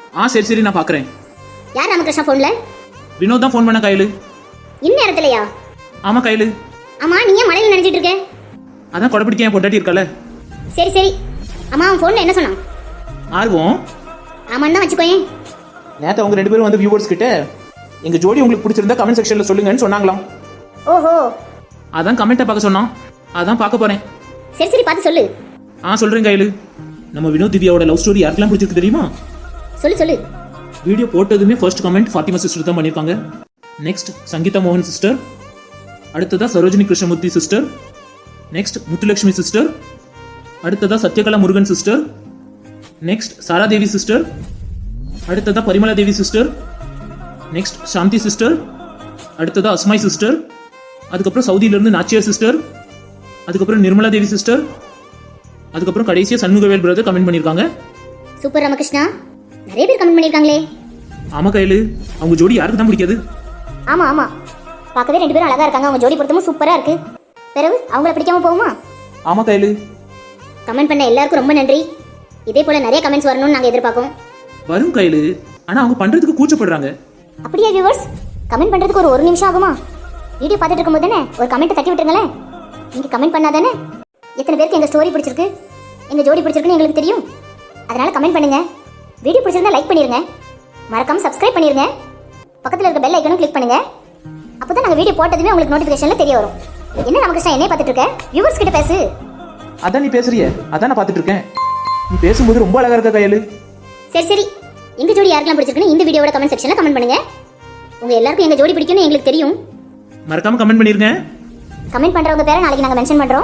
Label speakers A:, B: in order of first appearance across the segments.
A: சரி சரி நான் பாக்குறேன்.
B: யார் ராமகிருஷ்ணா போன்ல?
A: வினோத் தான் ஃபோன் பண்ண கையில.
B: இந்நேரத்துலயா?
A: ஆமா கையில.
B: ஆமா நீ ஏன் மழையில நினைச்சிட்டு இருக்க?
A: அதான் கொடை பிடிக்க என் பொண்டாட்டி இருக்கல.
B: சரி சரி. அம்மா அவன் போன்ல என்ன சொன்னான்?
A: ஆர்வம்.
B: ஆமான்னு தான் வச்சுக்கோயேன்.
A: நேத்து அவங்க 2 பேரும் வந்து வியூவர்ஸ் கிட்ட எங்க ஜோடி உங்களுக்கு பிடிச்சிருந்தா கமெண்ட் செக்ஷன்ல சொல்லுங்கன்னு சொன்னாங்களாம்.
B: ஓஹோ.
A: அதான் கமெண்ட்டை பார்க்க சொன்னான். அதான் பார்க்க போறேன்.
B: சரி சரி பார்த்து சொல்லு.
A: சொல்றேன் கையில. நம்ம வினோத் திவ்யாவோட லவ் ஸ்டோரி யாருக்கெல்லாம் பிடிச்சிருக்கு தெரியுமா?
B: சொல்லு சொல்லு.
A: வீடியோ போட்டதுமே ஃபர்ஸ்ட் கமெண்ட் ஃபாத்திமா சிஸ்டர் தான் பண்ணிருக்காங்க. நெக்ஸ்ட் சங்கீதா மோகன் சிஸ்டர். அடுத்ததா Sarojini Krishnamurthy sister. Next Muthulakshmi sister. அடுத்ததா Sathyakala Murugan sister. Next Sara Devi sister. அடுத்ததா Parimala Devi sister. Next Shanthi sister. அடுத்ததா அஸ்மாய் சிஸ்டர். அதுக்கப்புறம் சவுதியிலிருந்து நாச்சியார் சிஸ்டர். அதுக்கப்புறம் நிர்மலா தேவி சிஸ்டர். அதுக்கப்புறம் கடைசியா சண்முகவேல் பிரதர் கமெண்ட் பண்ணிருக்காங்க.
B: சூப்பர் ராமகிருஷ்ணா, நிறைய பேர் கமெண்ட் பண்ணிருக்காங்களே.
A: ஆமா கையில. அவங்க ஜோடி யாருக்கு தான் பிடிக்காது?
B: ஆமா ஆமா, பார்க்கவே 2 பேரும் அழகா இருக்காங்க. அவங்க ஜோடி பொருத்தமும் சூப்பரா இருக்கு. பிறகு அவங்கள பிடிக்காம போகுமா?
A: ஆமா கையில.
B: கமெண்ட் பண்ண எல்லாருக்கும் ரொம்ப நன்றி. இதே போல நிறைய கமெண்ட்ஸ் வரணும்னு நாங்க எதிர்பார்க்கோம்.
A: வரும் கையில. ஆனா அவங்க பண்றதுக்கு கூச்சப்படுறாங்க.
B: அப்படியே வியூவர்ஸ், கமெண்ட் பண்றதுக்கு ஒரு நிமிஷம் ஆகுமா? வீடியோ பார்த்துட்டு இருக்கும்போது தானே ஒரு கமெண்ட் தட்டி விட்டுருங்களேன். நீங்க கமெண்ட் பண்ணாதானே எத்தனை பேருக்கு எங்க ஸ்டோரி பிடிச்சிருக்கு, எங்க ஜோடி பிடிச்சிருக்குன்னு எங்களுக்கு தெரியும். அதனால கமெண்ட் பண்ணுங்க. வீடியோ பிடிச்சிருந்தா லைக் பண்ணிருங்க. மறக்காம சப்ஸ்கிரைப் பண்ணிருங்க. பக்கத்துல இருக்க பெல் ஐக்கனும் கிளிக் பண்ணுங்க. அப்பதான் நாங்க வீடியோ போட்டதுமே உங்களுக்கு நோட்டிபிகேஷன்ல தெரிய வரும். என்ன ராமகிருஷ்ணா என்னைய பார்த்துட்டு இருக்க? வியூவர்ஸ் கிட்ட பேசு.
A: அதான் நீ பேசுறிய, அதான் நான் பார்த்துட்டு இருக்கேன். நீ பேசும்போது ரொம்ப அழகா இருக்க கையில.
B: சரி சரி, எங்க ஜோடி யாருக்கெல்லாம் பிடிச்சிருக்குன்னு இந்த வீடியோவோட கமெண்ட் செக்ஷன்ல கமெண்ட் பண்ணுங்க. உங்க எல்லாருக்கும் எங்க ஜோடி பிடிக்கும்னு எங்களுக்கு தெரியும்.
A: மறக்காம கமெண்ட் பண்ணிருங்க.
B: கமெண்ட் பண்றவங்க பேரை நாளைக்கு நாங்க மென்ஷன் பண்றோம்.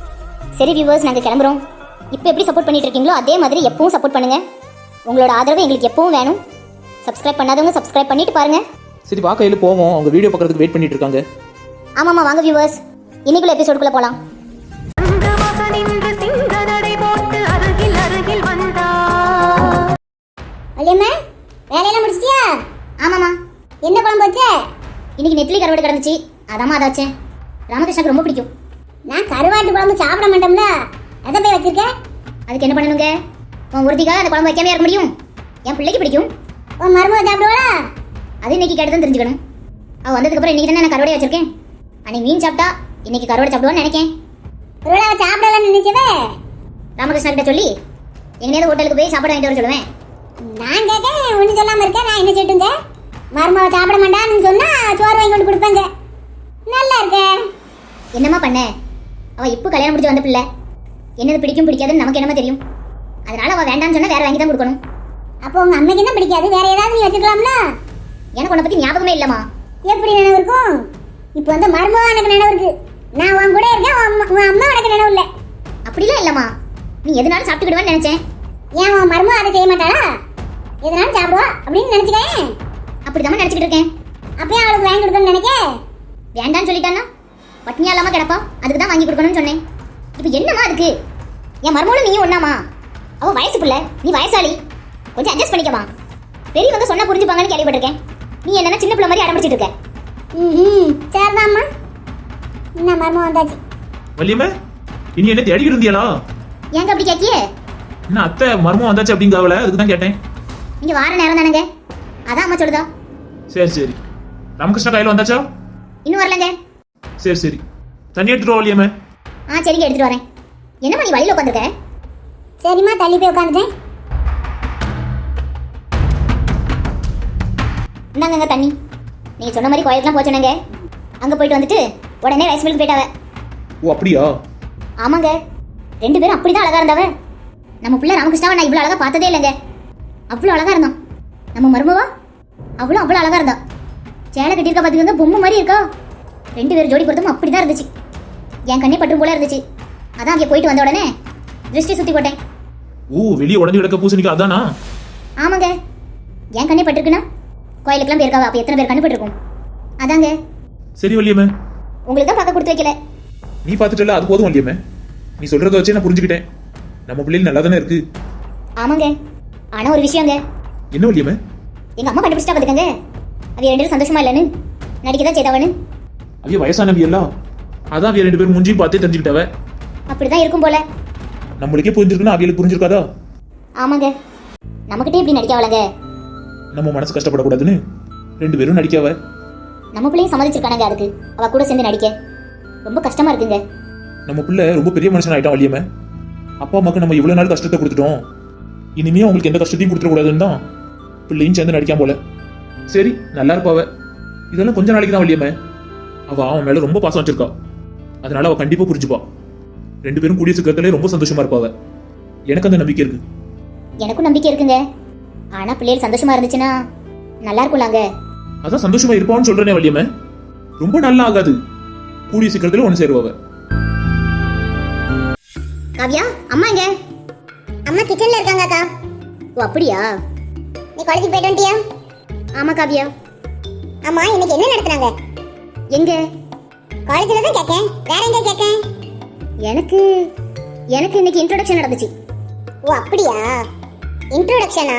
B: சரி வியூவர்ஸ், நாங்க கிளம்புறோம். இப்போ எப்படி சப்போர்ட் பண்ணிட்டு இருக்கீங்களோ அதே மாதிரி எப்பவும் சப்போர்ட் பண்ணுங்க. உங்களோட ஆதரவு எங்களுக்கு எப்பவும் வேணும். சப்ஸ்கிரைப் பண்ணாதவங்க சப்ஸ்கிரைப் பண்ணிட்டு பாருங்க.
A: சரி வா கையில போவோம். அவங்க வீடியோ பார்க்கறதுக்கு வெயிட் பண்ணிட்டு இருக்காங்க.
B: ஆமாமா வாங்க வியூவர்ஸ், இன்னைக்குள்ள எபிசோடுக்குள்ள போலாம். வள்ளியம்மா, வேலையெல்லாம் முடிச்சிட்டியா? ஆமாமா. என்ன குழம்பு வச்ச? இன்னைக்கு நெத்திலி கருவாடு கிடந்துச்சு, அதாம்மா அதை வச்சேன். ராமகிருஷ்ணாக்கு ரொம்ப பிடிக்கும். நான் கருவாட்டு குழம்பு சாப்பிட மாட்டோம்ல, அதை போய் வச்சிருக்கேன். அதுக்கு என்ன பண்ணணுங்க? உன் ஒருத்திக்காக அந்த குழம்பு வைக்காம இருக்க முடியும்? என் பிள்ளைக்கு பிடிக்கும். உன் மருமக சாப்பிடுவாளா? அது இன்னைக்கு கேட்டு தான் தெரிஞ்சுக்கணும். அவள் வந்ததுக்கப்புறம் இன்னைக்கு தானே நான் கருவாடை வச்சிருக்கேன். அன்னைக்கு மீன் சாப்பிட்டா இன்னைக்கு கருவாடை சாப்பிடுவான்னு நினைக்கேன். ஒருவேளை அவள் சாப்பிடலாம்னு நினைச்சவே ராமகிருஷ்ணா கிட்ட சொல்லி எங்கேயாவது ஹோட்டலுக்கு போய் சாப்பாடு வாங்கிட்டு வர சொல்லுவேன். நான் கேட்க ஒன்றும் சொல்லாமல் இருக்கேன். நான் என்ன சொல்லிட்டுங்க? மருமக சாப்பிட மாட்டான்னு சொன்னா சோறு வாங்கி கொண்டு கொடுப்பேங்க. நல்லா இருக்கேன். என்னம்மா பண்ண? அவள் இப்போ கல்யாணம் முடிச்சு வந்த பிள்ளை. என்னது பிடிக்கும் பிடிக்காதுன்னு நமக்கு என்னமா தெரியும்? அதனால அவள் வேண்டாம்னு சொன்னா வேற வாங்கி தான் கொடுக்கணும். அப்போ உங்க அம்மைக்கு என்ன பிடிக்காது? வேற ஏதாவது நீ வச்சுக்கலாம்ல? எனக்கு உன்னை பத்தி ஞாபகமே இல்லம்மா. எப்படி நினைவு இருக்கும்? இப்போ வந்து மருமக எனக்கு நினைவு இருக்கு. நான் உன் கூட இருக்கேன், உன் அம்மா எனக்கு நினைவு இல்லை. அப்படிலாம் இல்லம்மா, நீ எதனாலும் சாப்பிட்டுக்கிடுவேன்னு நினைச்சேன். ஏன் உன் மருமக அதை செய்ய மாட்டாளா? எதனாலும் சாப்பிடுவா அப்படின்னு நினைச்சுக்கேன். அப்படிதான் நினைச்சுக்கிட்டு இருக்கேன். அப்பயே அவளுக்கு வாங்கி கொடுக்கணும்னு நினைக்க. வேண்டான்னு சொல்லிட்டான்னா பட்னியா இல்லாம கிடப்பா. அதுக்கு தான் வாங்கி கொடுக்கணும்னு சொன்னேன். இப்போ என்னம்மா அதுக்கு? என் மருமகளும் நீயும் ஒண்ணாமா? அவ வயசு பிள்ளை, நீ வயசாளி. கொஞ்சம் அட்ஜஸ்ட் பண்ணிக்கமா. பெரியவங்க சொன்னா புரிஞ்சுப்பாங்கன்னு கேள்விப்பட்டிருக்கேன். நீ என்னன்னா சின்ன பிள்ளை மாதிரி அடம்பிடிச்சிட்டு இருக்க. சரிதாம்மா. என்ன மருமக வந்தாச்சு.
A: வள்ளியம்மா, இனி என்ன தேடிக்கிட்டு இருந்தியாளா?
B: ஏங்க அப்படி கேட்கியே?
A: என்ன அத்தை மர்மம் வந்தாச்சு அப்படிங்காவல, அதுக்கு தான் கேட்டேன்.
B: நீங்க வார நேரம் தானங்க, அதான் அம்மா சொல்லுதா.
A: சரி சரி. ராமகிருஷ்ணா கையில வந்தாச்சா?
B: இன்னும் வரலங்க.
A: சரி சரி, தண்ணி எடுத்துட்டு வா வள்ளியம்மா.
B: சரிங்க எடுத்துட்டு வரேன். என்னம்மா நீ வழியில உட்காந்துருக்க? சரிம்மா, தள்ளி போய் உட்காந்துட்டேன். இந்தாங்க தண்ணி. நீங்க சொன்ன மாதிரி கோயிலுக்குலாம் போச்சோனங்க. அங்க போயிட்டு வந்துட்டு உடனே ரைஸ் மில்க்கு போயிட்டாவ.
A: ஓ அப்படியா?
B: ஆமாங்க, 2 பேரும் அப்படிதான் அழகா இருந்தாவ. நம்ம பிள்ளை ராமகிருஷ்ணாவை நான் இவ்வளவு அழகா பார்த்ததே இல்லைங்க. அவ்வளவு அழகா இருந்தான். நம்ம மருமவா அவ்வளவு அழகா இருந்தா. சேலை கட்டியிருக்கா பாத்தீங்கன்னா பொம்மை மாதிரி இருக்கா. 2 பேரும் ஜோடி பொருத்தமும் அப்படிதான் இருந்துச்சு. என் கண்ணே பற்றும் போல இருந்துச்சு. அதான் அங்கே போயிட்டு வந்த உடனே திருஷ்டி சுத்தி போட்டேன்.
A: ஓ, வெளியே உடஞ்சி கிடக்க பூசணிக்கா அதானா?
B: ஆமாங்க, என் கண்ணே பட்டிருக்குன்னா கோயிலுக்குலாம் போயிருக்காவா? அப்போ எத்தனை பேர் கண்ணு பட்டிருக்கும்? அதாங்க.
A: சரி வள்ளியம்மா,
B: உங்களுக்கு தான் பார்க்க கொடுத்து வைக்கல.
A: நீ பார்த்துட்டல, அது போதும் வள்ளியம்மா. நீ சொல்றத வச்சே நான் புரிஞ்சுக்கிட்டேன். நம்ம பிள்ளைகள் நல்லா தானே இருக்கு.
B: ஆமாங்க, ஆனா ஒரு விஷயங்க.
A: என்ன வள்ளியம்மா?
B: எங்க அம்மா கண்டுபிடிச்சிட்டா பாத்துக்கங்க. அவ 2 பேரும் சந்தோஷமா இல்லைன்னு நடிக்கதான் செய்தவனு.
A: அவிய வயசானவி எல்லாம், அதான் அவிய 2 பேரும் முஞ்சி பார்த்தே தெரிஞ்சுக்கிட்டவ.
B: அப்படிதான் இருக்கும் போல.
A: நம்மளுக்கே புரிஞ்சிருக்குன்னா அவியலுக்கு புரிஞ்சிருக்காதா?
B: ஆமாங்க, நமக்கிட்டே இப்படி நடிக்கவளங்க.
A: நம்ம மனசு கஷ்டப்படக்கூடாதுன்னு 2 பேரும் நடிக்காவ.
B: நம்ம பிள்ளையும் சம்மதிச்சிருக்கானங்க அதுக்கு, அவ கூட சேர்ந்து நடிக்க. ரொம்ப கஷ்டமா இருக்குங்க.
A: நம்ம பிள்ளை ரொம்ப பெரிய மனுஷன் ஆயிட்டான் வள்ளியம்மா. அப்பா அம்மாக்கு நம்ம இவ்வளவு நாள் கஷ்டத்தை கொடுத்துட்டோம், இனிமே அவங்களுக்கு எந்த கஷ்டத்தையும் கொடுத்துடக்கூடாதுன்னு தான் பிள்ளையும் சேர்ந்து நடிக்காம போல. சரி, நல்லா இருப்பாவ. இதெல்லாம் கொஞ்ச நாளைக்கு தான் வள்ளியம்மா. அவ அவன் மேல ரொம்ப பாசம் வச்சிருக்கா, அதனால அவ கண்டிப்பா புரிஞ்சுப்பா. 2 பேரும் கூடிய சீக்கிரத்திலே ரொம்ப சந்தோஷமா இருப்பாவ. எனக்கு அந்த நம்பிக்கை இருக்கு.
B: எனக்கும் நம்பிக்கை இருக்குங்க. ஆனா பிள்ளைகள் சந்தோஷமா இருந்துச்சுன்னா நல்லா இருக்கும்லாங்க.
A: அதான் சந்தோஷமா இருப்பான்னு சொல்றேனே வள்ளியம்மா. ரொம்ப நல்லா ஆகாது, கூடிய சீக்கிரத்திலே ஒன்று சேருவாவ.
B: காவியா, அம்மா எங்க? அம்மா கிச்சன்ல இருக்காங்க அக்கா. ஓ அப்படியா? நீ காலேஜுக்கு போயிட்டு வந்துட்டியா? ஆமா காவியா. அம்மா இன்னைக்கு என்ன நடத்துறாங்க? எங்க? காலேஜ்ல தான் கேக்கேன், வேற எங்க கேக்கேன்? எனக்கு இன்னைக்கு இன்ட்ரோடக்ஷன் நடந்துச்சு. ஓ அப்படியா? இன்ட்ரோடக்ஷனா?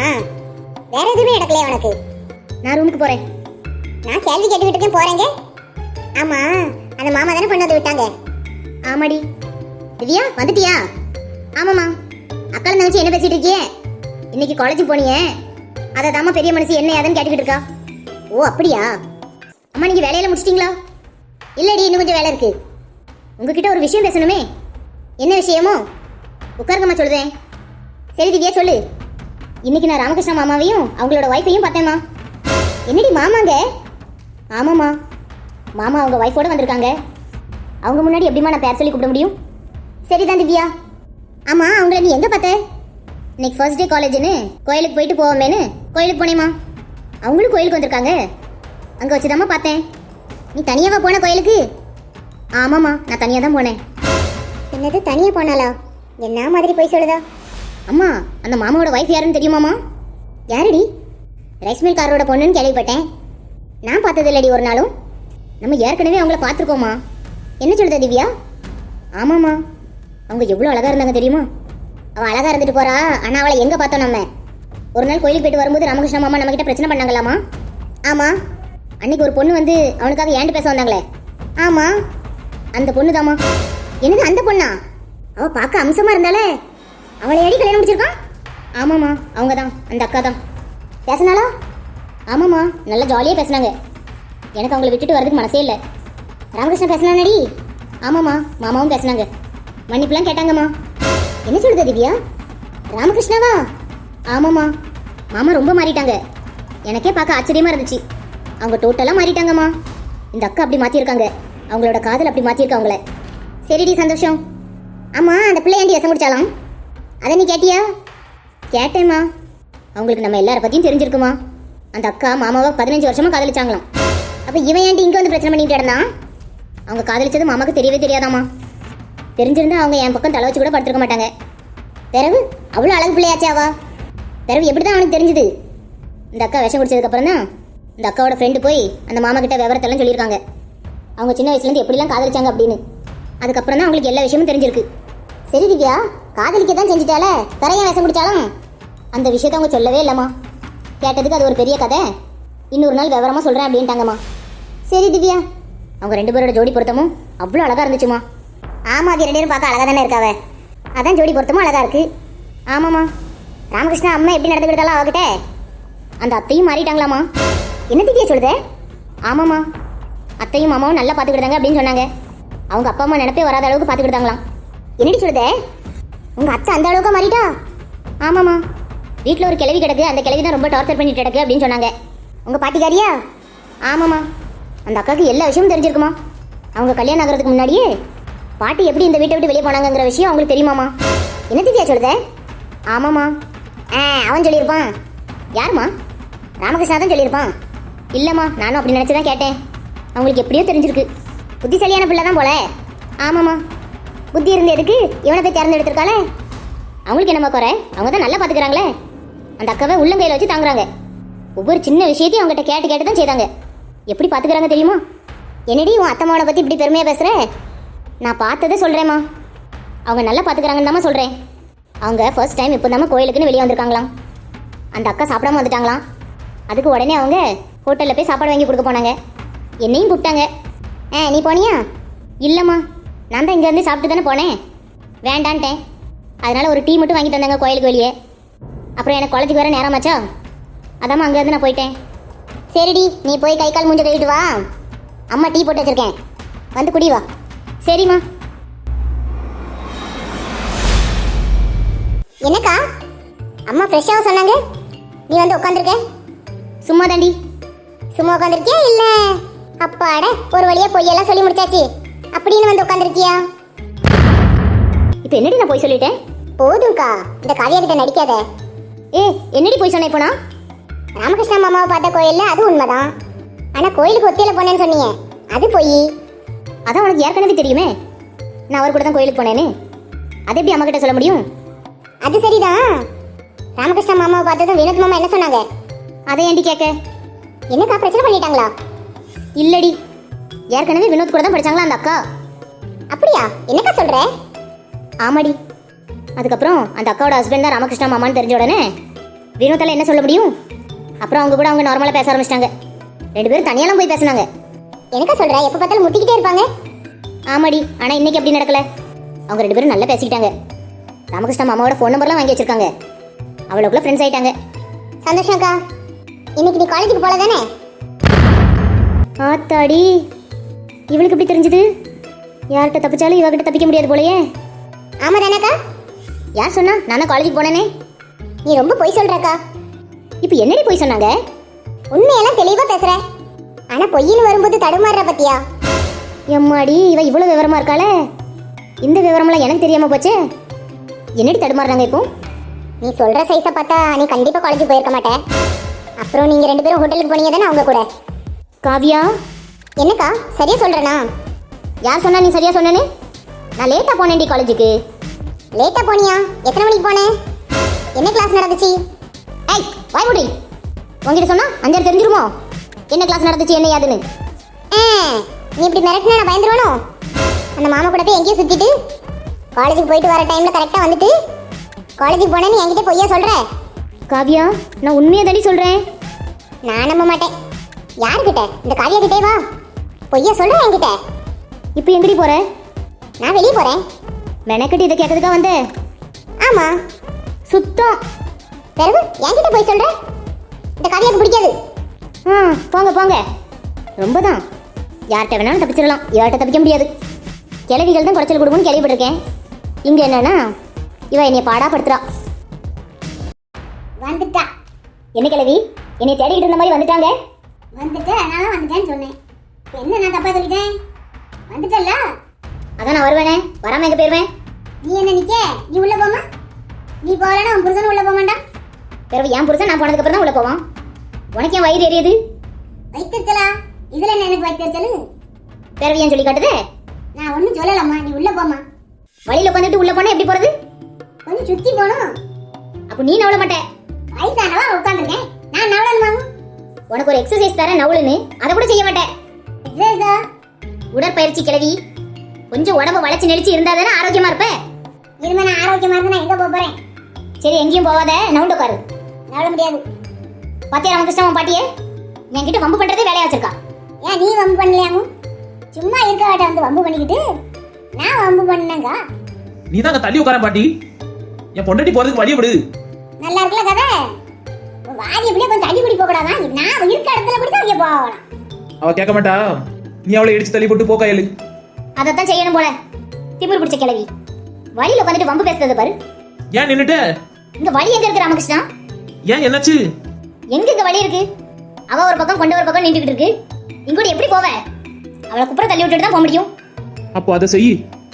B: வேற எதுவுமே நடக்கலையா உனக்கு? நான் ரூமுக்கு போறேன். நான் கேள்வி கேட்டுக்கிட்டு இருக்கேன், போறேங்க. ஆமா, அந்த மாமா தானே கொண்டு வந்து விட்டாங்க. ஆமாடி. திவ்யா வந்துட்டியா? ஆமாம்மா. அக்கால நினைச்சு என்ன பேசிட்டு இருக்கியே? இன்னைக்கு காலேஜுக்கு போனியே, அதை தாம்மா பெரிய மனுஷி என்ன ஏதுன்னு கேட்டுக்கிட்டு இருக்கா. ஓ அப்படியா? அம்மா நீங்க வேலையில முடிச்சிட்டீங்களா? இல்லடி, இன்னும் கொஞ்சம் வேலை இருக்கு. உங்ககிட்ட ஒரு விஷயம் பேசணுமே. என்ன விஷயமோ? உட்காருங்கம்மா சொல்றேன். சரி திவ்யா சொல்லு. இன்னைக்கு நான் ராமகிருஷ்ண மாமாவையும் அவங்களோட ஒய்ஃபையும் பார்த்தேம்மா. என்னடி மாமாங்க? ஆமாம்மா, மாமா அவங்க ஒய்ஃபோட வந்திருக்காங்க. அவங்க முன்னாடி எப்படிமா நான் பேர் சொல்லி கூப்பிட முடியும்? சரிதான் திவ்யா. ஆமா, அவங்கள நீ எங்க பார்த்த? இன்னைக்கு ஃபர்ஸ்ட் டே காலேஜ்னு கோயிலுக்கு போயிட்டு போவோமேனு கோயிலுக்கு போனேம்மா. அவங்களும் கோயிலுக்கு வந்திருக்காங்க, அங்க வச்சுதாம்மா பார்த்தேன். நீ தனியாவா போன கோயிலுக்கு? ஆமாம்மா, நான் தனியாக தான் போனேன். என்னது தனியா போனாலா? என்ன மாதிரி போய் சொல்லுதா? அம்மா, அந்த மாமாவோட ஒய்ஃப் யாருன்னு தெரியுமாம்மா? யாருடி? ரைஸ் மில்காரோட பொண்ணுன்னு கேள்விப்பட்டேன். நான் பார்த்தது இல்லடி ஒரு நாளும். நம்ம ஏற்கனவே அவங்கள பார்த்துருக்கோமா. என்ன சொல்லுதா திவ்யா? ஆமாம்மா, அவங்க எவ்வளோ அழகா இருந்தாங்க தெரியுமா? அவள் அழகா இருந்துட்டு போறா, ஆனால் அவளை எங்கே பார்த்தோம் நம்ம? ஒரு நாள் கோயிலுக்கு போயிட்டு வரும்போது ராமகிருஷ்ண மாமா நம்ம கிட்ட பிரச்சனை பண்ணாங்களாமா. ஆமாம், அன்னைக்கு ஒரு பொண்ணு வந்து அவனுக்காக ஏன்ட்டு பேச வந்தாங்களே. ஆமாம், அந்த பொண்ணு தாம்மா. என்னது அந்த பொண்ணா? அவள் பார்க்க அம்சமாக இருந்தாலே, அவளை அடி கல்யாணம் முடிச்சிருக்கான். ஆமாம்மா, அவங்க தான், அந்த அக்கா தான். பேசினாலா? ஆமாம்மா, நல்லா ஜாலியாக பேசினாங்க. எனக்கு அவங்கள விட்டுட்டு வரதுக்கு மனசே இல்லை. ராமகிருஷ்ணன் பேசினானடி? ஆமாம்மா, மாமாவும் பேசினாங்க. மன்னிப்புலாம் கேட்டாங்கம்மா. என்ன சொல்லுது திவ்யா? ராமகிருஷ்ணாவா? ஆமாம்மா, மாமா ரொம்ப மாறிட்டாங்க. எனக்கே பார்க்க ஆச்சரியமா இருந்துச்சு. அவங்க டோட்டலாக மாறிட்டாங்கம்மா. இந்த அக்கா அப்படி மாற்றிருக்காங்க, அவங்களோட காதல் அப்படி மாற்றிருக்கா அவங்கள. சரிடி, சந்தோஷம். ஆமாம், அந்த பிள்ளை ஏண்டி எசை முடிச்சாலாம்? அதை நீ கேட்டியா? கேட்டேம்மா. அவங்களுக்கு நம்ம எல்லார பற்றியும் தெரிஞ்சிருக்குமா. அந்த அக்கா மாமாவை 15 வருஷமாக காதலிச்சாங்களாம். அப்போ இவன் ஏன்டி இங்கே வந்து பிரச்சனை பண்ணிட்டு இருந்தான்? அவங்க காதலிச்சது மாமாவுக்கு தெரியவே தெரியாதாம்மா. தெரிஞ்சிருந்தா அவங்க என் பக்கம் தலை வச்சு கூட படுத்துருக்க மாட்டாங்க. பிறகு அவ்வளோ அழகு பிள்ளையாச்சே அவா. பிறகு எப்படி தான் அவனுக்கு தெரிஞ்சுது? இந்த அக்கா விஷம் குடிச்சதுக்கப்புறம் தான் இந்த அக்காவோட ஃப்ரெண்டு போய் அந்த மாமா கிட்ட விவரத்தெல்லாம் சொல்லியிருக்காங்க. அவங்க சின்ன வயசுலேருந்து எப்படிலாம் காதலிச்சாங்க அப்படின்னு. அதுக்கப்புறம் தான் அவங்களுக்கு எல்லா விஷயமும் தெரிஞ்சிருக்கு. சரி திவ்யா, காதலிக்க தான் செஞ்சுட்டால, தரையா விஷம் குடிச்சாலும் அந்த விஷயத்த அவங்க சொல்லவே இல்லைம்மா. கேட்டதுக்கு அது ஒரு பெரிய கதை, இன்னொரு நாள் விவரமாக சொல்கிறேன் அப்படின்ட்டாங்கம்மா. சரி திவ்யா, அவங்க 2 பேரோட ஜோடி பொருத்தமும் அவ்வளோ அழகாக இருந்துச்சுமா. ஆமாம், அது 2 பேரும் பார்க்க அழகாக தானே இருக்காவ. அதான் ஜோடி பொருத்தமும் அழகாக இருக்குது. ஆமாம்மா, ராமகிருஷ்ணா அம்மா எப்படி நடந்துக்கிட்டாலும் அவகிட்ட அந்த அத்தையும் மாறிட்டாங்களாம்மா. என்ன திவ்யா சொல்லுதே? ஆமாம்மா, அத்தையும் மாமாவும் நல்லா பார்த்துக்கிட்டாங்க அப்படின்னு சொன்னாங்க. அவங்க அப்பா அம்மா நினைப்பே வராத அளவுக்கு பார்த்துக்கிட்டாங்களாம். என்னடி சொல்லுதே? உங்கள் அத்தை அந்த அளவுக்கு மாறிட்டா? ஆமாம்மா, வீட்டில் ஒரு கிழவி கிடக்கு, அந்த கிழவி தான் ரொம்ப டார்ச்சர் பண்ணிட்டு கிடக்கு அப்படின்னு சொன்னாங்க. உங்கள் பாட்டிக்காரியா? ஆமாம்மா, அந்த அக்காவுக்கு எல்லா விஷயமும் தெரிஞ்சிருக்குமா. அவங்க கல்யாணம் ஆகிறதுக்கு முன்னாடியே பாட்டி எப்படி இந்த வீட்டை விட்டு வெளியே போனாங்கிற விஷயம் அவங்களுக்கு தெரியுமாம்மா. என்ன திவ்யா சொல்லுதே? ஆமாம்மா. அவன் சொல்லியிருப்பான். யாரும்மா? ராமகிருஷ்ணா தான் சொல்லியிருப்பான். இல்லைம்மா, நானும் அப்படி நினச்சி தான் கேட்டேன். அவங்களுக்கு எப்படியோ தெரிஞ்சிருக்கு. புத்திசாலியான பிள்ளை தான் போல. ஆமாம்மா, புத்தி இருந்து எதுக்கு இவனை போய் திறந்து எடுத்திருக்காளே. அவங்களுக்கு என்னம்மா குறை? அவங்க தான் நல்லா பார்த்துக்கிறாங்களே. அந்த அக்காவை உள்ளங்கையில் வச்சு தாங்குறாங்க. ஒவ்வொரு சின்ன விஷயத்தையும் அவங்ககிட்ட கேட்டு கேட்டு தான் செய்தாங்க. எப்படி பார்த்துக்கிறாங்க தெரியுமா? என்னடி உன் அத்தம்மாவோட பற்றி இப்படி பெருமையாக பேசுகிற? நான் பார்த்ததை சொல்கிறேம்மா. அவங்க நல்லா பார்த்துக்கிறாங்கன்னு தாம்மா சொல்கிறேன். அவங்க ஃபர்ஸ்ட் டைம் இப்போ தாம்மா கோயிலுக்குன்னு வெளியே வந்திருக்காங்களாம். அந்த அக்கா சாப்பிடாம வந்துட்டாங்களாம். அதுக்கு உடனே அவங்க ஹோட்டலில் போய் சாப்பாடு வாங்கி கொடுக்க போனாங்க. என்னையும் கூப்பிட்டாங்க. நீ போனியா? இல்லைம்மா, நான் தான் இங்கேருந்து சாப்பிட்டு தானே போனேன். வேண்டான்ட்டேன். அதனால் ஒரு டீ மட்டும் வாங்கி தந்தாங்க கோயிலுக்கு வெளியே. அப்புறம் எனக்கு காலேஜுக்கு வேறு நேரமாச்சா, அதாம்மா அங்கேருந்து நான் போயிட்டேன். சரிடி, நீ போய் கை கால் மூஞ்ச கழுவிட்டு வா. அம்மா டீ போட்டு வச்சிருக்கேன், வந்து குடி வா. சரிம்மா. என்னக்கா அம்மா ஃப்ரெஷ்ஷாக சொன்னாங்க, நீ வந்து உட்காந்துருக்க? சும்மா தாண்டி. சும்மா உட்காந்துருக்கியா இல்லை அப்பாட ஒரு வழியா பொய்யெல்லாம் சொல்லி முடிச்சாச்சு அப்படின்னு வந்து உட்காந்துருக்கியா? இப்போ என்னடி நான் போய் சொல்லிட்டேன்? போதும்க்கா, இந்த காவியா கிட்ட நடிக்காத. என்னடி போய் சொன்னேன்? போனா ராமகிருஷ்ணா மாமாவை பார்த்த கோயில்ல அது உண்மைதான். ஆனா கோயிலுக்கு ஒத்தியில போனேன்னு சொன்னீங்க, அது போய். அதான் உனக்கு ஏற்கனவே தெரியுமே நான் அவர் கூட தான் கோயிலுக்கு போனேன்னு. அது எப்படி அம்மா கிட்ட சொல்ல முடியும்? அது சரிதான். ராமகிருஷ்ணா மாமாவை பார்த்ததும் வினோத் மாமா என்ன சொன்னாங்க? அதை ஏண்டி கேட்க? என்னக்கா பிரச்சனை பண்ணிட்டாங்களா? இல்லடி, ஏற்கனவே வினோத் கூட தான் படிச்சாங்களா அந்த அக்கா. அப்படியா? என்னக்கா சொல்ற? ஆமாடி. அதுக்கப்புறம் அந்த அக்காவோட ஹஸ்பண்ட் தான் ராமகிருஷ்ணா மாமான்னு தெரிஞ்ச உடனே வினோத்தால என்ன சொல்ல முடியும்? அப்புறம் அவங்க கூட அவங்க நார்மலாக பேச ஆரம்பிச்சிட்டாங்க. 2 பேரும் தனியாலாம் போய் பேசினாங்க. எனக்கா சொல்ற? எப்போ பார்த்தாலும் முட்டிக்கிட்டே இருப்பாங்க. ஆமாடி, ஆனால் இன்னைக்கு அப்படி நடக்கல. அவங்க 2 பேரும் நல்லா பேசிக்கிட்டாங்க. ராமகிருஷ்ணா மாமாவோட ஃபோன் நம்பர்லாம் வாங்கி வச்சிருக்காங்க. அவ்வளோக்குள்ள ஃப்ரெண்ட்ஸ் ஆயிட்டாங்க. சந்தோஷம்க்கா. இன்னைக்கு நீ காலேஜுக்கு போல தானே? ஆத்தாடி, இவளுக்கு எப்படி தெரிஞ்சது? யார்கிட்ட தப்பிச்சாலும் இவகிட்ட தப்பிக்க முடியாது போலயே. ஆமா தானேக்கா? யார் சொன்னா? நானும் காலேஜுக்கு போனேனே. நீ ரொம்ப பொய் சொல்றக்கா. இப்போ என்னடி பொய் சொன்னாங்க? உண்மையெல்லாம் தெளிவா பேசுற, ஆனா பொய்ன்னு வரும்போது தடுமாறுற பத்தியா? எம்மாடி, இவ இவ்வளவு விவரமா இருக்காளே. இந்த விவரம்லாம் எனக்கு தெரியாம போச்சே. என்னடி தடுமாறுறாங்க இப்போ? நீ சொல்ற சைஸை பார்த்தா நீ கண்டிப்பா காலேஜுக்கு போயிருக்க மாட்டே. அப்புறம் நீங்க 2 பேரும் ஹோட்டலுக்கு போனீங்க தானே அவங்க கூட? காவியா, என்னக்கா சரியா சொல்றேனா? யார் சொன்னா நீ சரியா சொன்னேன்னு? நான் லேட்டா போனேன்டி காலேஜுக்கு. லேட்டா போனியா? எத்தனை மணிக்கு போனேன்? என்ன கிளாஸ் நடந்துச்சு? ஏய் வாய் மூடி. உங்ககிட்ட சொன்னா 5 தெரிஞ்சிருமோ என்ன கிளாஸ் நடந்துச்சு என்ன யாதுன்னு? நீ இப்படி மிரட்டினா நான் பயந்துருவானோ? அந்த மாமா கூட போய் எங்கேயும் சுத்திட்டு காலேஜுக்கு போயிட்டு வர டைம்ல கரெக்டா வந்துட்டு காலேஜுக்கு போனேன்னு என்கிட்ட பொய்யா சொல்ற? காவியா, நான் உண்மையை தாண்டி சொல்றேன். நான் நம்ப மாட்டேன். யாருக்கிட்ட? இந்த காவியா கிட்டே வா. பொய்யா சொல்ற என்கிட்ட. இப்போ எங்கடி போற? நான் வெளியே போறேன். மெனக்கட்டி இதை கேட்கறதுக்கா வந்த? ஆமா. சுத்தம். பிறகு என்கிட்ட போய் சொல்ற? இந்த காவியாக்கு பிடிக்காது. போங்க போங்க. ரொம்ப தான். யார்கிட்ட வேணாலும் தப்பிச்சிடலாம், யார்கிட்ட தப்பிக்க முடியாது. கிளவிகள் தான் குறைச்சல் கொடுக்குன்னு கேள்விப்பட்டிருக்கேன். இங்க என்னன்னா இவ என்னைய பாடாப்படுத்துறா. வந்துட்டா. என்ன கிளவி? என்னை தேடிக்கிட்டு இருந்த மாதிரி வந்துட்டாங்க. வந்துட்டு அதனால வந்துட்டேன்னு சொன்னேன். என்ன நான் தப்பா சொல்லிட்டேன்? வந்துட்டல்ல, அதான் நான் வருவேனே. வராம எங்க போயிருவேன்? நீ என்ன நிக்க? நீ உள்ள போமா. நீ போகலன்னா உன் புருஷன் உள்ள போக மாட்டான். பிறகு என் புருஷன் நான் போனதுக்கு அப்புறம் தான் உள்ள போவான். உனக்கு ஏன் வயிறு எரியுது? வைத்திருச்சலா? இதுல என்ன எனக்கு வைத்திருச்சலு? பிறகு ஏன் சொல்லி காட்டுதே? நான் ஒன்னும் சொல்லலம்மா, நீ உள்ள போமா. வழியில உட்காந்துட்டு உள்ள போனா எப்படி போறது? கொஞ்சம் சுத்தி போகணும். அப்ப நீ நவள மாட்டே. வயசானவா உட்காந்துருக்கேன், நான் நவளணுமா? உனக்கு ஒரு எக்ஸசைஸ் தர நவளுன்னு அதை கூட செய்ய மாட்டேன். எக்ஸசைஸா? உடற்பயிற்சி கிளவி. கொஞ்சம் உடம்ப வளைச்சு நெளிச்சு இருந்தா தானே ஆரோக்கியமா இருப்ப. இனிமே நான் ஆரோக்கியமா இருந்தா நான் எங்க போறேன்? சரி, எங்கேயும் போவாத, நவுண்டு உட்காரு. நவள முடியாது. பாத்தியா ராமகிருஷ்ணன் பாட்டியே என்கிட்ட வம்பு பண்றதே வேலையா வச்சிருக்கா. ஏன் நீ வம்பு பண்ணலையாமு? சும்மா இருக்க வாட்ட வந்து வம்பு பண்ணிக்கிட்டு நான் வம்பு பண்ணேங்க.
A: நீ தான் தள்ளி உட்கார பாட்டி. என் பொண்டாட்டி போறதுக்கு வழிய விடு.
B: நல்லா இருக்குல்ல கதை? வாதி எப்படியே கொஞ்சம் தள்ளி கூடி போக கூடாதா? நான் இருக்க இடத்துல கூட தான் போகலாம்.
A: அவ கேட்க மாட்டா. நீ அவளை இடிச்சு தள்ளி போட்டு போக்க இயலு.
B: அதைத்தான் செய்யணும் போல. திமிர் பிடிச்ச கிளவி. வழியில உட்காந்துட்டு வம்பு பேசுறது பாரு.
A: ஏன் நின்னுட்ட?
B: இங்க வழி எங்க இருக்கு ராமகிருஷ்ணா?
A: ஏன் என்னாச்சு?
B: எங்க இங்க வழி இருக்கு? அவ ஒரு பக்கம் கொண்ட ஒரு பக்கம் நின்றுகிட்டு இருக்கு. இங்கூட எப்படி போவ? அவளை குப்புற தள்ளி விட்டுட்டு தான் போக முடியும்.
A: அப்போ அதை செய்.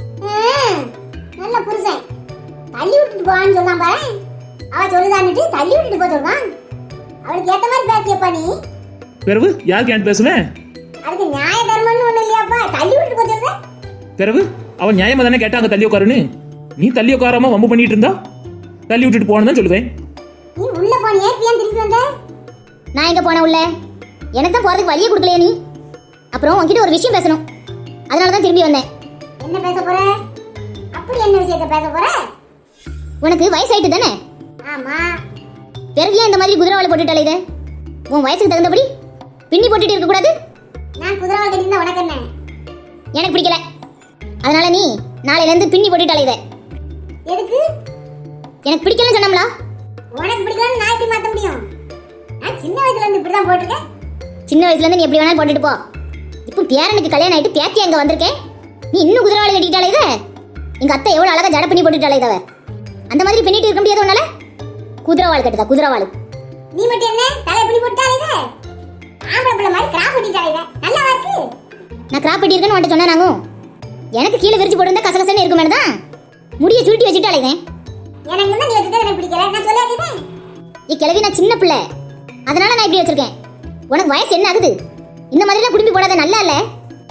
B: நல்ல புருஷன் தள்ளி விட்டுட்டு போவான்னு சொல்லாம பாரு. அவ சொல்லுதான்னுட்டு தள்ளி விட்டுட்டு போக சொல்றான். அவளுக்கு ஏத்த மாதிரி பேசியப்பா நீ.
A: பிறகு யாருக்கு ஏன் பேசுவேன்?
B: அதுக்கு நியாய தர்மம்னு ஒண்ணு இல்லையாப்பா? தள்ளி விட்டுட்டு போக சொல்ற.
A: பிறகு அவன் நியாயமா தானே கேட்டாங்க தள்ளி உட்காருன்னு. நீ தள்ளி உட்காராம வம்பு பண்ணிட்டு இருந்தா தள்ளி விட்டுட்டு போனதான் சொல்லுவேன்.
B: நீ உள்ள போனியே, ஏன் திருப்பி வந்த? நான் எங்க போன உள்ள? எனக்கு தான் போறதுக்கு வழியே கொடுக்கலையே நீ. அப்புறம் உன்கிட்ட ஒரு விஷயம் பேசணும், அதனால தான் திரும்பி வந்தேன். என்ன பேச போற? அப்படி என்ன விஷயத்தை பேச போற? உனக்கு வயசாயிட்டு தானே? ஆமா. பிறகு ஏன் இந்த மாதிரி குதிரவாளை போட்டுட்டாலே இதை? உன் வயசுக்கு தகுந்தபடி பின்னி போட்டுட்டு இருக்க கூடாது? நான் குதிரவாளை கட்டிருந்தா உனக்கு என்ன? எனக்கு பிடிக்கல. அதனால நீ நாளையில இருந்து பின்னி போட்டுட்டாலே இதை. எதுக்கு? எனக்கு பிடிக்கலன்னு சொன்னோம்ல. உனக்கு பிடிக்கலன்னு நான் எப்படி மாத்த முடியும்? நான் சின்ன வயசுல இருந்து இப்படி தான் போட்டிருக்கேன். சின்ன வயசுல இருந்து நீ எப்படி வேணாலும் போட்டுட்டு போ. இப்போ பேரனுக்கு கல்யாணம் ஆயிட்டு பேத்தி அங்க வந்திருக்கேன். நீ இன்னும் குதிரவாளி கட்டிட்டாலே இத. எங்க அத்தை எவ்வளவு அழகா ஜட பண்ணி போட்டுட்டாலே இதவ. அந்த மாதிரி பண்ணிட்டு இருக்க முடியாது உன்னால. குதிரவாள் கட்டுதா குதிரவாள். நீ மட்டும் என்ன தலை எப்படி போட்டாலே இத? ஆம்பளை பிள்ளை மாதிரி கிராப் பண்ணிட்டாலே இத. நல்லா இருக்கு. நான் கிராப் பண்ணி இருக்கேன்னு உன்கிட்ட சொன்னா நாங்க. எனக்கு கீழே விரிச்சு போட்டுருந்தா கசகசன்னு இருக்கும் மேடம். முடிய சுருட்டி வச்சுட்டாலே இத. எனக்கு என்ன நீ வச்சுட்டே எனக்கு பிடிக்கல. நான் சொல்லாதே. நீ கிளவி நான் சின்ன பிள்ளை. அதனால நான் இப்படி வச்சிருக்கேன். உனக்கு வயசு என்ன ஆகுது? இந்த மாதிரிலாம் குடும்பி போடாத நல்லா இல்ல.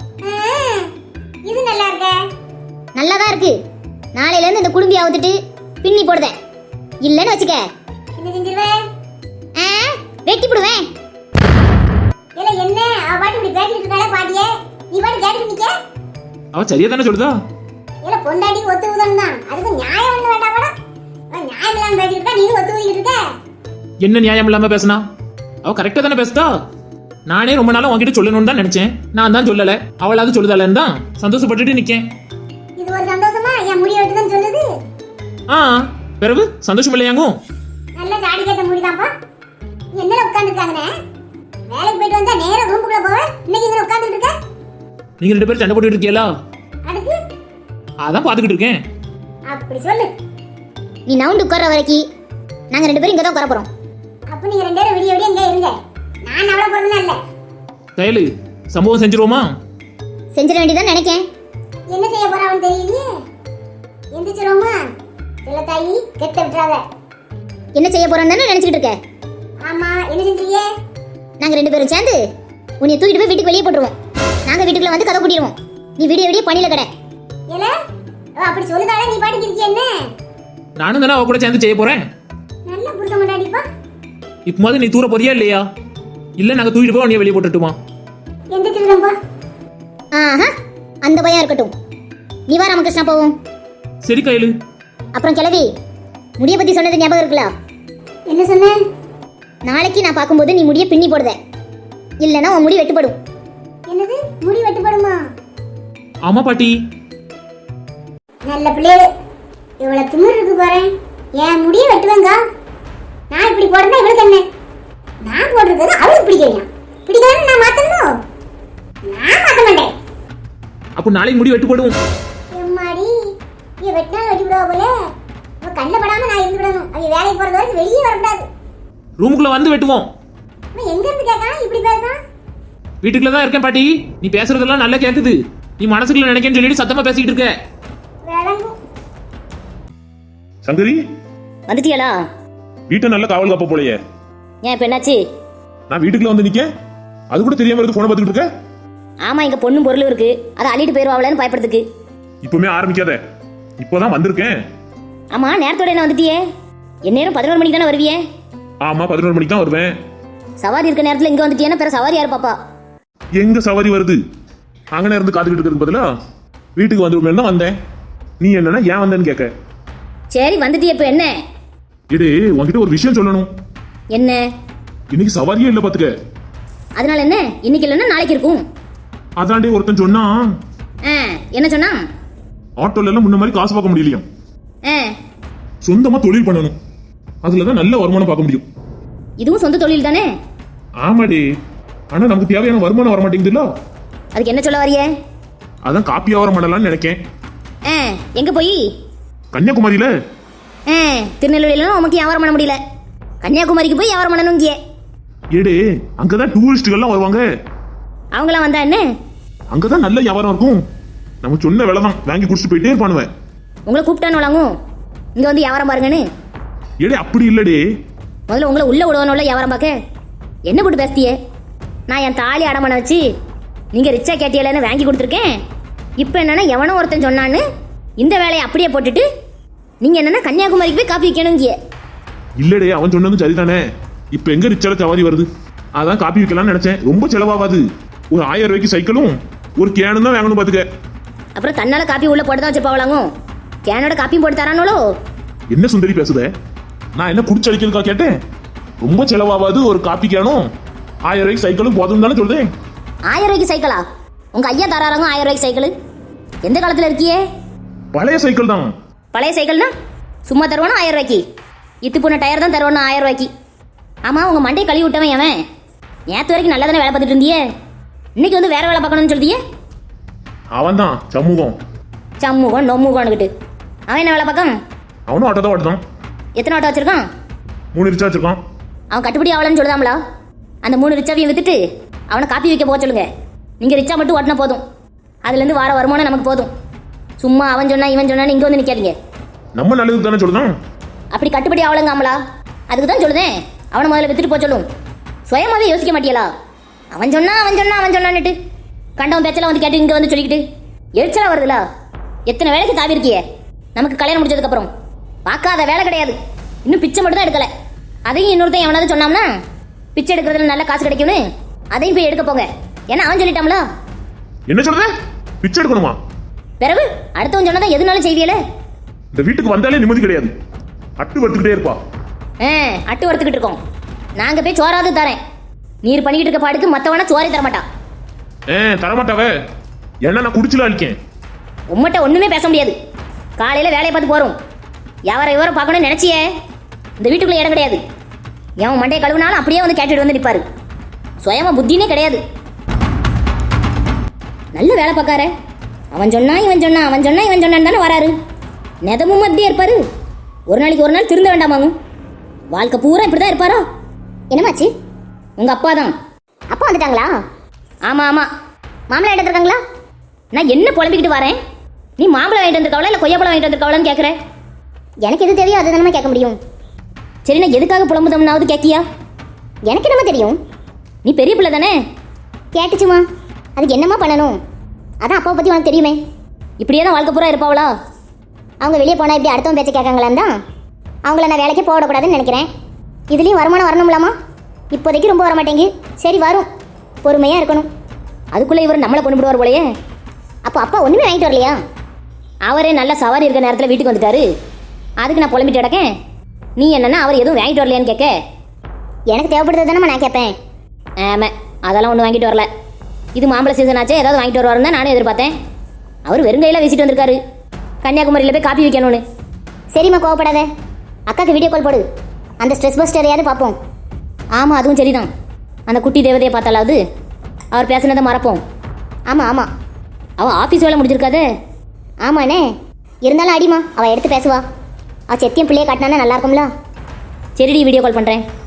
B: இது நல்லா இருக்க. நல்லா தான் இருக்கு. நாளையில இருந்து இந்த குடும்பி அவுத்துட்டு பின்னி போடுதேன். இல்லன்னு வச்சுக்க. என்ன செஞ்சிருவே? வெட்டி போடுவேன். இல்ல என்ன அவ பாட்டு இப்படி பேசிட்டு இருக்காளே பாட்டியே. நீ பாட்டு கேட்டு நிக்க.
A: அவ சரியா தானே சொல்லுதா?
B: இல்ல பொண்டாட்டி ஒத்து உதன் தான். அதுக்கு நியாயம் ஒண்ணு வேண்டாம்டா. அவ நியாயம் இல்லாம பேசிட்டு இருக்கா. நீ ஒத்து ஊதிட்டு இருக்க.
A: என்ன நியாயம் இல்லாம பேசினா? அவ கரெக்டா தானே பேசுதா? நானே ரொம்ப நாளா உன்கிட்ட சொல்லணும்னு தான் நினைச்சேன். நான் தான் சொல்லல. அவளாவது சொல்லுதாலன்னு தான் சந்தோஷப்பட்டுட்டு நிக்கேன்.
B: இது ஒரு சந்தோஷமா? என் முடிய விட்டு தான் சொல்லுது.
A: பிறகு சந்தோஷம் இல்லையாங்கும்?
B: நல்ல ஜாடி கேட்ட முடிதாப்பா. நீ என்னல உட்கார்ந்து இருக்காங்கனே? வேலைக்கு போயிட்டு வந்தா நேரா ரூமுக்குள்ள போவே. இன்னைக்கு இங்க உட்கார்ந்துட்டு இருக்க?
A: நீங்க ரெண்டு பேரும் சண்டை போட்டுட்டு இருக்கீங்களா?
B: அதுக்கு
A: அதான் பாத்துக்கிட்டு இருக்கேன்.
B: அப்படி சொல்லு. நீ நவுண்டு உட்கார்ற வரைக்கும் நாங்க ரெண்டு பேரும் இங்க தான் உட்கார போறோம். அப்ப நீங்க ரெண்டு பேரும் விடிய விடிய இங்க இருங்க. நான் அவள போறதுனா இல்ல.
A: கையில சம்பவம் செஞ்சிருவோமா?
B: செஞ்சிர வேண்டியதான் நினைக்கேன். என்ன செய்ய போறான்னு தெரியலையே. எந்திரிச்சிரோமா? இல்ல தாயி கெட்ட விட்டுறாத. என்ன செய்ய போறேன்னு நினைச்சிட்டு இருக்க? ஆமா என்ன செஞ்சீங்க? நாங்க ரெண்டு பேரும் சேர்ந்து உன்னை தூக்கிட்டு போய் வீட்டுக்கு வெளியே போட்டுருவோம். நாங்க வீட்டுக்குள்ள வந்து கதை கூட்டிடுவோம். நீ விடிய விடிய பணியில கடை. ஏல அப்படி சொல்லுதால நீ பாட்டுக்கு இருக்கிய என்ன?
A: நானும் தானே அவ கூட சேர்ந்து செய்ய போறேன்.
B: நல்ல புருஷன் மாட்டாடிப்பா.
A: இப்போ மாதிரி நீ தூர போறியா இல்லையா? இல்ல நாங்க தூக்கிட்டு போய் உன்னை வெளியே போட்டுட்டுமா?
B: எந்திரிச்சிருந்தப்பா. அந்த பையன் இருக்கட்டும். நீ வா ராமகிருஷ்ணா போவோம்.
A: சரி கையில.
B: அப்புறம் கிளவி முடிய பத்தி சொன்னது ஞாபகம் இருக்குல்ல? என்ன சொன்ன? நாளைக்கு நான் பார்க்கும்போது நீ முடிய பின்னி போடுத. இல்லனா உன் முடி வெட்டுப்படும். என்னது முடி வெட்டுப்படுமா?
A: ஆமா பாட்டி.
B: நல்ல பிள்ளை. இவ்வளவு திமிரு இருக்கு பாரு. என் முடிய வெட்டுவேங்க. நான் இப்படி போடுறதா இவளுக்கு என்ன? நான் போடுறது அவளுக்கு பிடிக்கலையா? பிடிக்கலன்னு நான் மாத்தணும். நான் மாத்த மாட்டேன்.
A: அப்போ நாளைக்கு முடி வெட்டு போடுவோம்.
B: எம்மாடி நீ வெட்டினாலும் வெட்டி விடுவா போல. அவ கண்ணில் படாம நான் இருந்து விடணும். அவ வேலைக்கு போறது வரைக்கும் வெளியே வரக்கூடாது.
A: ரூமுக்குள்ள வந்து வெட்டுவோம்.
B: அவன் எங்க இருந்து கேட்கான் இப்படி பேசுறான்?
A: வீட்டுக்குள்ள தான் இருக்கேன் பாட்டி. நீ பேசுறதெல்லாம் நல்லா கேக்குது. நீ மனசுக்குள்ள நினைக்கன்னு சொல்லிட்டு சத்தமா பேசிட்டு இருக்க.
B: விளங்கும்.
C: சங்கரி
D: வந்துட்டியாளா?
C: வீட்டை நல்ல காவல் காப்ப போலையே.
D: ஏன் இப்ப என்னாச்சு?
C: நான் வீட்டுக்குள்ள வந்து நிக்க அது கூட தெரியாம இருக்கு. போன பார்த்துக்கிட்டு இருக்க.
D: ஆமா இங்க பொண்ணும் பொருளும் இருக்கு. அதை அள்ளிட்டு போயிருவாங்களேன்னு பயப்படுறதுக்கு.
C: இப்பவுமே ஆரம்பிக்காத. இப்போதான் வந்திருக்கேன்.
D: ஆமா நேரத்தோட என்ன வந்துட்டியே? எந்நேரம் 11 மணிக்கு தானே வருவியே?
C: ஆமா 11 மணிக்கு தான் வருவேன்.
D: சவாரி இருக்க நேரத்துல இங்க வந்துட்டியேன்னா பிற சவாரி யாரு பாப்பா?
C: எங்க சவாரி வருது? அங்கன இருந்து காத்துக்கிட்டு இருக்கிறதுக்கு பதிலா வீட்டுக்கு வந்துருமே தான் வந்தேன். நீ என்னன்னா ஏன் வந்தேன்னு கேட்க.
D: சரி வந்துட்டியே இப்ப என்ன?
C: இடு உன்கிட்ட ஒரு விஷயம் சொல்லணும்.
D: என்ன?
C: இன்னைக்கு சவாரியே இல்ல பாத்துக்க.
D: அதனால என்ன? இன்னைக்கு இல்லைன்னா நாளைக்கு இருக்கும்.
C: அதாண்டே ஒருத்தன் சொன்னா.
D: என்ன சொன்னா?
C: ஆட்டோல எல்லாம் முன்ன மாதிரி காசு பார்க்க முடியலையா?
D: ஆ,
C: சொந்தமா தொழில் பண்ணணும். அதுலதான் நல்ல வருமானம் பார்க்க முடியும்.
D: இதுவும் சொந்த தொழில் தானே?
C: ஆமாடி. ஆனா நமக்கு தேவையான வருமானம் வர மாட்டேங்குதுல்ல.
D: அதுக்கு என்ன சொல்ல வரியே?
C: அதான் காப்பி வியாபாரம் பண்ணலாம்னு நினைக்கேன்.
D: எங்க போய்?
C: கன்னியாகுமரியில.
D: திருநெல்வேலியில உமக்கு வியாபாரம் பண்ண முடியல. கன்னியாகுமரிக்கு போய் வியாபாரம் பண்ணணும். இங்கே
C: ஏடே அங்கதான் டூரிஸ்டுகள்லாம் வருவாங்க.
D: அவங்களாம் வந்தா என்ன?
C: அங்கதான் நல்ல வியாபாரம் இருக்கும். நம்ம சொன்ன விலை தான் வாங்கி குடிச்சிட்டு போயிட்டே இருப்பானுவேன்.
D: உங்களை கூப்பிட்டானு வழங்கும் இங்க வந்து வியாபாரம் பாருங்கன்னு.
C: ஏடே அப்படி இல்லடே.
D: முதல்ல உங்களை உள்ள விடுவானோல வியாபாரம் பார்க்க. என்ன போட்டு பேசியே? நான் என் தாலி அடமான வச்சு நீங்க ரிச்சா கேட்டியலன்னு வாங்கி கொடுத்துருக்கேன். இப்போ என்னன்னா எவனோ ஒருத்தன் சொன்னான்னு இந்த வேலையை அப்படியே போட்டுட்டு நீங்க என்னன்னா கன்னியாகுமரிக்கு போய் காப்பி வைக்கணுங்கிய.
C: இல்லடே அவன் சொன்னதும் சரிதானே. இப்ப எங்க ரிச்சால சவாரி வருது. அதான் காப்பி வைக்கலாம்னு நினைச்சேன். ரொம்ப செலவாகாது. ஒரு 1000 ரூபாய்க்கு சைக்கிளும் ஒரு கேனும் தான் வாங்கணும் பாத்துக்க.
D: அப்புறம் தன்னால காப்பி உள்ள போட்டு தான் வச்சுப்பாவலாங்க. கேனோட காப்பியும் போட்டு தரானோலோ.
C: என்ன சுந்தரி பேசுத? நான் என்ன குடிச்சு அடிக்கிறதுக்கா கேட்டேன். ரொம்ப செலவாகாது. ஒரு காப்பி கேனும் 1000 ரூபாய்க்கு சைக்கிளும் போதும் தானே சொல்றேன்.
D: 1000 ரூபாய்க்கு சைக்கிளா? உங்க ஐயா தராங்க 1000 ரூபாய்க்கு சைக்கிள்? எந்த காலத்துல இருக்கியே?
C: பழைய சைக்கிள் தான்.
D: பழைய சைக்கிள்னா சும்மா தருவானா 1000 ரூபாய்க்கு? இத்து போன டயர் தான் தருவானா 1000 ரூபாய்க்கு? ஆமாம் உங்கள் மண்டையை கழுவி விட்டவன் அவன் நேற்று வரைக்கும் நல்லா தானே வேலை பார்த்துட்டு இருந்தியே இன்னைக்கு வந்து வேற வேலை பார்க்கணும்னு சொல்லியே.
C: அவன் தான் சமூகம்.
D: சமூகம் நொம்முகம்னுக்கிட்டு அவன் என்ன வேலை பார்க்கான்?
C: அவனும் ஆட்டோ தான் ஓட்டுதான்.
D: எத்தனை ஆட்டோ வச்சிருக்கான்?
C: 3 ரிச்சா வச்சிருக்கான்.
D: அவன் கட்டுப்படி ஆகலன்னு சொல்லுதாங்களா? அந்த 3 ரிச்சாவையும் வித்துட்டு அவனை காப்பி வைக்க போக சொல்லுங்க. நீங்கள் ரிச்சா மட்டும் ஓட்டினா போதும், அதுலேருந்து வார வருமானம் நமக்கு போதும். சும்மா அவன் சொன்னா இவன் சொன்னான்னு இங்கே வந்து நிற்காதீங்க.
C: நம்ம நல்லதுக்கு தானே சொல்லுதான்.
D: அப்படி கட்டுப்படி ஆகலங்காமலா? அதுக்கு தான் சொல்லுதேன் அவனை முதல்ல வித்துட்டு போக சொல்லும். சுயமாவே யோசிக்க மாட்டியலா? அவன் சொன்னான்னுட்டு கண்டவன் பேச்செல்லாம் வந்து கேட்டு இங்கே வந்து சொல்லிக்கிட்டு எரிச்சலாக வருதுல. எத்தனை வேலைக்கு தாவி இருக்கியே நமக்கு கல்யாணம் முடிச்சதுக்கப்புறம். பார்க்காத வேலை கிடையாது, இன்னும் பிச்சை மட்டும் தான் எடுக்கலை. அதையும் இன்னொருத்தன் எவனாவது சொன்னாம்னா பிச்சை எடுக்கிறதுல நல்ல காசு கிடைக்கும்னு அதையும் போய் எடுக்க போங்க. ஏன்னா அவன் சொல்லிட்டாம்ல.
C: என்ன சொல்ற? பிச்சை எடுக்கணுமா?
D: பிறகு அடுத்தவன் சொன்னதான் எதுனாலும் செய்வியல.
C: இந்த வீட்டுக்கு வந்தாலே நிம்மதி கிடையாது. அட்டு வறுத்துக்கிட்டே இருப்பா.
D: அட்டு வறுத்துக்கிட்டு இருக்கோம். நாங்கள் போய் சோறாவது தரேன். நீர் பண்ணிக்கிட்டு இருக்க பாடுக்கு மற்றவனா சோறே தரமாட்டான்.
C: தரமாட்டாவே. என்ன நான் குடிச்சுல அழிக்கேன்.
D: உம்மட்ட ஒன்றுமே பேச முடியாது. காலையில் வேலையை பார்த்து போகிறோம். விவரம் பார்க்கணும்னு நினச்சியே இந்த வீட்டுக்குள்ளே இடம் கிடையாது. எவன் மண்டையை கழுவுனாலும் அப்படியே வந்து கேட்டுட்டு வந்து நிற்பாரு. சுயமா புத்தினே கிடையாது. நல்ல வேலை பார்க்கார. அவன் சொன்னா இவன் சொன்னான்னு தானே வராரு. நெதமும் அப்படியே இருப்பாரு. ஒரு நாள் திருந்த வேண்டாமாங்க. வாழ்க்கை பூரா இப்படி தான் இருப்பாரோ?
B: என்னமாச்சு?
D: உங்கள் அப்பா தான்.
B: அப்பா வந்துட்டாங்களா?
D: ஆமாம்
B: மாம்பழம் எடுத்துருக்காங்களா?
D: நான் என்ன புலம்பிக்கிட்டு வரேன்? நீ மாம்பழம் வாங்கிட்டு வந்திருக்காவளா இல்லை கொய்யாப்பழம் வாங்கிட்டு வந்திருக்காவளான்னு கேட்குறேன்.
B: எனக்கு எது தெரியும் அது தானே கேட்க முடியும்.
D: சரி, நான் எதுக்காக புலம்புதம்னாவது கேட்கியா?
B: எனக்கு என்னமா தெரியும்?
D: நீ பெரிய பிள்ளை தானே.
B: கேட்டுச்சுமா, அதுக்கு என்னம்மா பண்ணணும்? அதான் அப்பாவை பற்றி உனக்கு தெரியுமே.
D: இப்படியே தான் வாழ்க்கை பூரா இருப்பாவளா?
B: அவங்க வெளியே போனால் இப்படி அடுத்தவன் பேச்சை கேட்காங்களான் தான் அவங்கள நான் வேலைக்கே போடக்கூடாதுன்னு நினைக்கிறேன். இதுலேயும் வருமானம் வரணும்லாமா? இப்போதைக்கு ரொம்ப வரமாட்டேங்கு. சரி வரும், பொறுமையாக இருக்கணும்.
D: அதுக்குள்ளே இவர் நம்மளை கொண்டு விடுவார் போலையே.
B: அப்போ அப்பா ஒன்றுமே வாங்கிட்டு வரலையா?
D: அவரே நல்ல சவாரி இருக்கிற நேரத்தில் வீட்டுக்கு வந்துட்டாரு. அதுக்கு நான் புலம்பிட்டு கிடக்கேன். நீ என்னன்னா அவர் எதுவும் வாங்கிட்டு வரலையான்னு கேட்க.
B: எனக்கு தேவைப்படுறது தானே நான் கேட்பேன்.
D: ஆமாம், அதெல்லாம் ஒன்றும் வாங்கிட்டு வரல. இது மாம்பழ சீசன் ஆச்சு, ஏதாவது வாங்கிட்டு வருவாருன்னு தான் நானும் எதிர்பார்த்தேன். அவர் வெறுங்கையில் வீசிட்டு வந்திருக்காரு. கன்னியாகுமரியில் போய் காப்பி வைக்கணும்னு.
B: சரிம்மா, கோவப்படாத. அக்காவுக்கு வீடியோ கால் போடு. அந்த ஸ்ட்ரெஸ் பஸ்டரையாவது பார்ப்போம்.
D: ஆமாம், அதுவும் சரிதான். அந்த குட்டி தேவதையை பார்த்தாலாவது அவர் பேசுனதை மறப்போம்.
B: ஆமாம்
D: அவள் ஆஃபீஸ் வேலை முடிஞ்சிருக்காதே.
B: ஆமாண்ணே, இருந்தாலும் அடிமா அவள் எடுத்து பேசுவா. அவள் செத்தியம் பிள்ளையை காட்டினானா நல்லா இருக்கும்ல.
D: சரிடி, வீடியோ கால் பண்ணுறேன்.